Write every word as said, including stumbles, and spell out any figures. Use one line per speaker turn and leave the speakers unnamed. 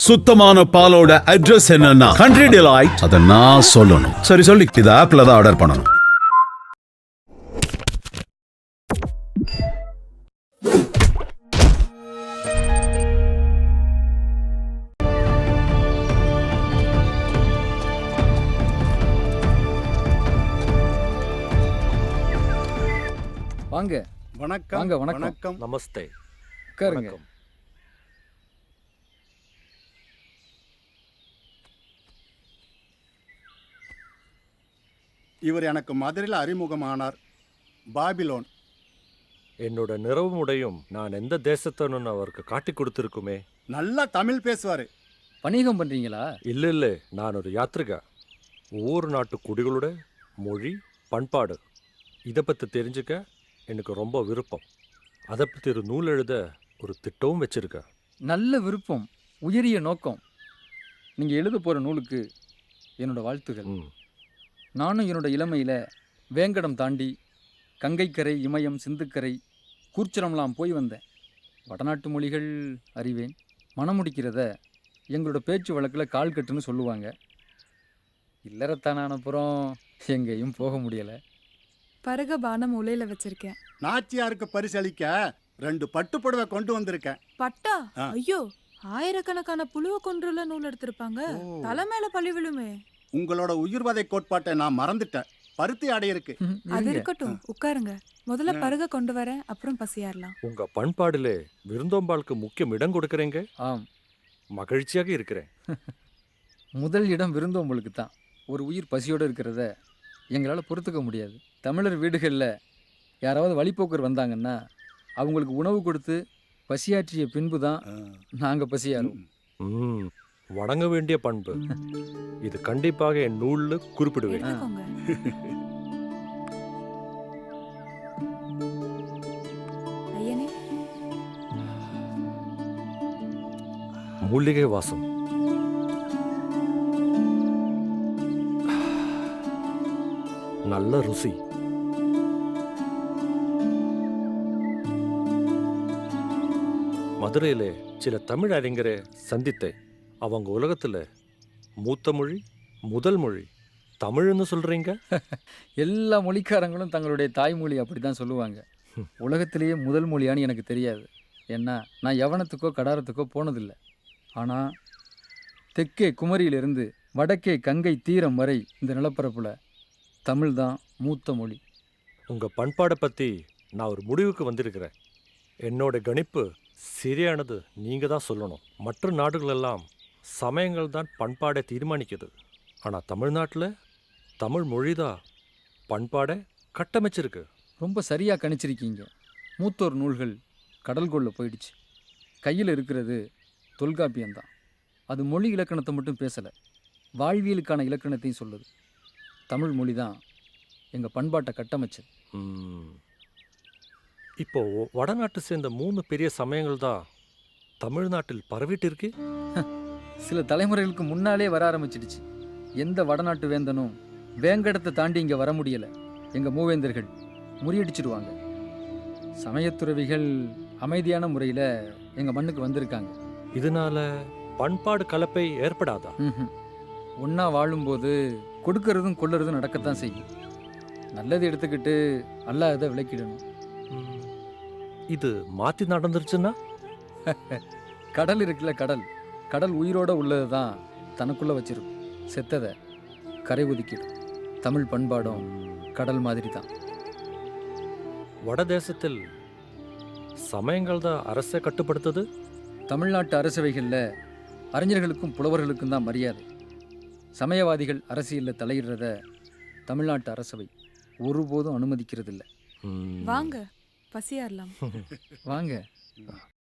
சுத்தமான பாலோட அட்ரஸ் என்னன்னா கண்ட்ரி டிலைட். அத நான் சொல்லணும். சரி சொல்லி இது ஆப்ல தான் ஆர்டர் பண்ணணும்.
வாங்க.
வணக்கம்.
வாங்க, வணக்கம்.
வணக்கம்.
நமஸ்தே.
உட்காருங்க.
வணக்கம்.
இவர் எனக்கு மதுரையில் அறிமுகமானார். பாபிலோன்.
என்னோட நிறவும் உடையும் நான் எந்த தேசத்தனுன்னு அவருக்கு காட்டி கொடுத்துருக்குமே.
நல்லா தமிழ் பேசுவார்.
வணிகம் பண்றீங்களா?
இல்லை இல்லை, நான் ஒரு யாத்ரிகா. ஒவ்வொரு நாட்டு குடிகளோட மொழி, பண்பாடு இதை பற்றி தெரிஞ்சுக்க எனக்கு ரொம்ப விருப்பம். அதை பற்றி ஒரு நூல் எழுத ஒரு திட்டமும் வச்சுருக்கேன்.
நல்ல விருப்பம், உயரிய நோக்கம். நீங்கள் எழுத போகிற நூலுக்கு என்னோட வாழ்த்துகள்.
ம்
நானும் என்னோட இளமையில் வேங்கடம் தாண்டி கங்கைக்கரை, இமயம், சிந்துக்கரை, கூர்ச்சரம்லாம் போய் வந்தேன். வடநாட்டு மொழிகள் அறிவேன். மனம் முடிக்கிறத எங்களோட பேச்சு வழக்கில் கால் கட்டுன்னு சொல்லுவாங்க. இல்லறத்தானப்புறம் எங்கேயும் போக முடியலை.
பருக பானம் உலையில வச்சிருக்கேன்.
நாச்சியாருக்கு பரிசளிக்க ரெண்டு பட்டு புடவை கொண்டு வந்திருக்கேன்.
பட்டா?
ஆ.
ஐயோ, ஆயிரக்கணக்கான புழுவ கொன்றுல நூல் எடுத்திருப்பாங்க.
ஓ.
தலை மேல பழி விழுமே.
உங்களோட உயிர்வதை கோட்பாட்டை நான் மறந்துட்டேன். பருத்தி ஆடை இருக்கு.
ம்,
அது
இருங்க.
இருக்கட்டும், உட்காருங்க. முதல்ல
ஆ.
பருக கொண்டு வரேன், அப்புறம் பசியாரலாம்.
உங்கள் பண்பாடிலே விருந்தோம்பாளுக்கு முக்கியம் இடம் கொடுக்குறேங்க.
ஆம்,
மகிழ்ச்சியாக இருக்கிறேன்.
முதல் இடம் விருந்தோம்பலுக்கு தான். ஒரு உயிர் பசியோடு இருக்கிறத எங்களால் பொறுத்துக்க முடியாது. தமிழர் வீடுகளில் யாராவது வழிப்போக்கர் வந்தாங்கன்னா அவங்களுக்கு உணவு கொடுத்து பசியாற்றிய பின்பு தான்
ஆ.
நாங்கள் பசியாறும்.
ம் வணங்க வேண்டிய பண்பு. இது கண்டிப்பாக என் நூலில் குறிப்பிடுவேன்.
எடுத்துக்கோங்க. ஐயனே,
மூலிகை வாசம். நல்ல ருசி. மதுரையிலே சில தமிழ் அறிஞரை சந்தித்தேன். அவங்க உலகத்தில் மூத்த மொழி, முதல் மொழி தமிழ்னு சொல்கிறீங்க.
எல்லா மொழிக்காரங்களும் தங்களுடைய தாய்மொழி அப்படி தான் சொல்லுவாங்க. உலகத்திலேயே முதல் மொழியான்னு எனக்கு தெரியாது. ஏன்னா நான் யவனத்துக்கோ கடாரத்துக்கோ போனதில்லை. ஆனால் தெற்கே குமரியிலிருந்து வடக்கே கங்கை தீரம் வரை இந்த நிலப்பரப்பில் தமிழ் தான் மூத்த மொழி.
உங்கள் பண்பாடை பற்றி நான் ஒரு முடிவுக்கு வந்திருக்கிறேன். என்னோட கணிப்பு சரியானது நீங்கள் தான் சொல்லணும். மற்ற நாடுகளெல்லாம் சமயங்கள் தான் பண்பாடை தீர்மானிக்குது. ஆனால் தமிழ்நாட்டில் தமிழ் மொழி தான் பண்பாடை கட்டமைச்சிருக்கு.
ரொம்ப சரியாக கணிச்சிருக்கீங்க. மூத்தோர் நூல்கள் கடல்கொள்ள போயிடுச்சு. கையில் இருக்கிறது தொல்காப்பியம்தான். அது மொழி இலக்கணத்தை மட்டும் பேசலை, வாழ்வியலுக்கான இலக்கணத்தையும் சொல்லுது. தமிழ் மொழி தான் எங்கள் பண்பாட்டை கட்டமைச்சது.
ம். இப்போ வடநாட்டு சேர்ந்த மூணு பெரிய சமயங்கள் தான் தமிழ்நாட்டில் பரவிட்டு இருக்கு.
சில தலைமுறைகளுக்கு முன்னாலே வர ஆரம்பிச்சிடுச்சு. எந்த வடநாட்டு வேந்தனும் வேங்கடத்தை தாண்டி இங்கே வர முடியலை. எங்கள் மூவேந்தர்கள் முறியடிச்சிடுவாங்க. சமயத்துறவிகள் அமைதியான முறையில் எங்கள் மண்ணுக்கு வந்திருக்காங்க.
இதனால பண்பாடு கலப்பை ஏற்படாதா?
ம் ஒன்றா வாழும்போது கொடுக்கறதும் கொள்ளுறதும் நடக்கத்தான் செய்யும். நல்லது எடுத்துக்கிட்டு அல்லாததை விளக்கிடணும்.
ம். இது மாற்றி நடந்துருச்சுன்னா?
கடல் இருக்குல்ல, கடல் கடல் உயிரோடு உள்ளது தான் தனக்குள்ளே வச்சிருக்கும். செத்ததை கரை ஒதுக்கிடும். தமிழ் பண்பாடும் கடல் மாதிரி தான்.
வடதேசத்தில் சமயங்கள் தான் அரசை கட்டுப்படுத்துது.
தமிழ்நாட்டு அரசவைகளில் அறிஞர்களுக்கும் புலவர்களுக்கும் தான் மரியாதை. சமயவாதிகள் அரசியலில் தலையிடுறத தமிழ்நாட்டு அரசவை ஒருபோதும் அனுமதிக்கிறதில்ல.
ம்.
வாங்க பசியாரலாம்.
வாங்க.